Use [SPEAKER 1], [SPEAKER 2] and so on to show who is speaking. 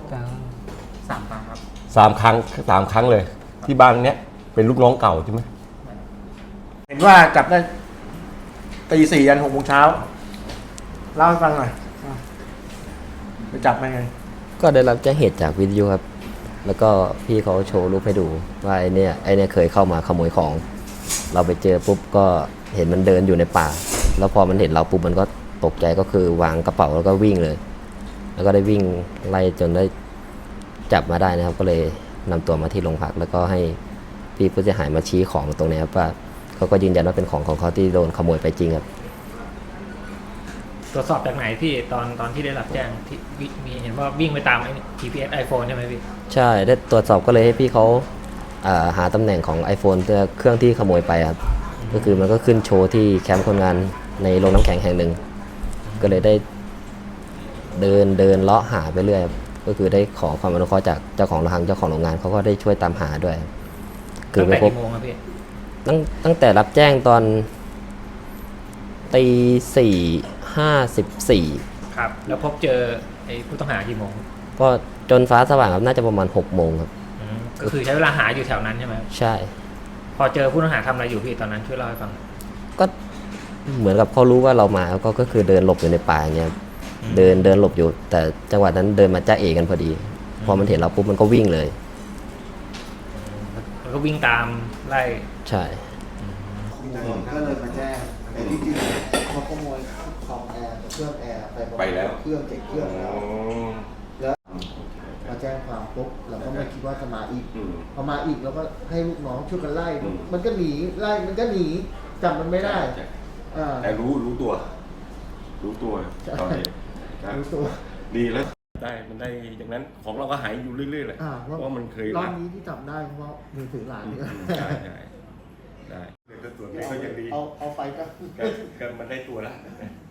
[SPEAKER 1] 3 ครั้งครับ
[SPEAKER 2] 3 ครั้งเลยที่บ้านเนี้ยเป็นลูกน้องเก่าใช่ไหม
[SPEAKER 3] เห็นว่าจับได้ตี4 ยัน 6 โมงเช้าเล่าให้ฟังหน่อยไปจับมาไง
[SPEAKER 4] ก็ได้รับแจ้งเหตุจากวิทยุครับแล้วก็พี่เขาโชว์รูปให้ดูว่าไอเนี่ยเคยเข้ามาขโมยของเราไปเจอปุ๊บก็เห็นมันเดินอยู่ในป่าแล้วพอมันเห็นเราปุ๊บมันก็ตกใจก็คือวางกระเป๋าแล้วก็วิ่งเลยแล้วก็ได้วิ่งไล่จนได้จับมาได้นะครับก็เลยนำตัวมาที่โรงพักแล้วก็ให้พี่ผู้เสียหายมาชี้ของตรงนี้ครับว่าเขาก็ยืนยันว่าเป็นของเขาที่โดนขโมยไปจริงครับ
[SPEAKER 1] ตรวจสอบจากไหนพี่ตอนที่ได้รับแจ้งที่มีเห็นว่าวิ่งไปตามไอ้ GPS iPhone ใช่ไหมพี่
[SPEAKER 4] ใช่ได้ตรวจสอบก็เลยให้พี่เขาหาตำแหน่งของ iPhone เครื่องที่ขโมยไปครับก็คือมันก็ขึ้นโชว์ที่แคมป์คนงานในโรงน้ำแข็งแห่งหนึ่งก็เลยได้เดินเลาะหาไปเรื่อยก็คือได้ขอความอนุเคราะห์จากเจ้าของโรงงานเขาก็ได้ช่วยตามหาด้วย
[SPEAKER 1] คือไปพบกี่โมงครับพี่
[SPEAKER 4] ตั้งแต่รับแจ้งตอน4:54
[SPEAKER 1] ครับแล้วพบเจอไอ้ผู้ต้องหากี่โมง
[SPEAKER 4] ก็จนฟ้าสว่างครับน่าจะประมาณ6 โมงครับ
[SPEAKER 1] ก็คือใช้เวลาหาอยู่แถวนั้นใช่ไหม
[SPEAKER 4] ใช่
[SPEAKER 1] พอเจอผู้ต้องหาทำอะไรอยู่พี่ตอนนั้นช่วยเล่าให้ฟัง
[SPEAKER 4] ก็เหมือนกับเขารู้ว่าเรามาก็คือเดินหลบอยู่ในป่าอย่างเงี้ยเดินหลบอยู่แต่จังหวะนั้นเดินมาจ้าเอกันพอดีพอมันเห็นเราปุ๊บมันก็วิ่งเลย
[SPEAKER 1] มันก็วิ่งตามไล่
[SPEAKER 4] ใช่
[SPEAKER 5] ก็เลยมาแจ้งแต่ที่จริงเขาขโมยคอมแอร์เครื่องแอร์ไปแล้วเครื่อง7 เครื่องแล้วมาแจ้งความปุ๊บเราก็ไม่คิดว่าจะมาอีกพอมาอีกเราก็ให้ลูกน้องช่วยกันไล่มันก็หนีไล่มันก็หนีจับมันไม่ได้
[SPEAKER 2] แต่รู้ตัวตอนนี้
[SPEAKER 5] รู้ตัว
[SPEAKER 2] ดีแล้วได้มันได้อย่างนั้นของเราก็หายอยู่เรื่อยๆเลยเพราะมันเคย
[SPEAKER 5] รอบนี้ที่จับได้เพราะมือถือหลานนี่
[SPEAKER 2] ได้ตัวนี้ก็ยังดี
[SPEAKER 5] เอาไปก็
[SPEAKER 2] มันได้ตัวแล้ว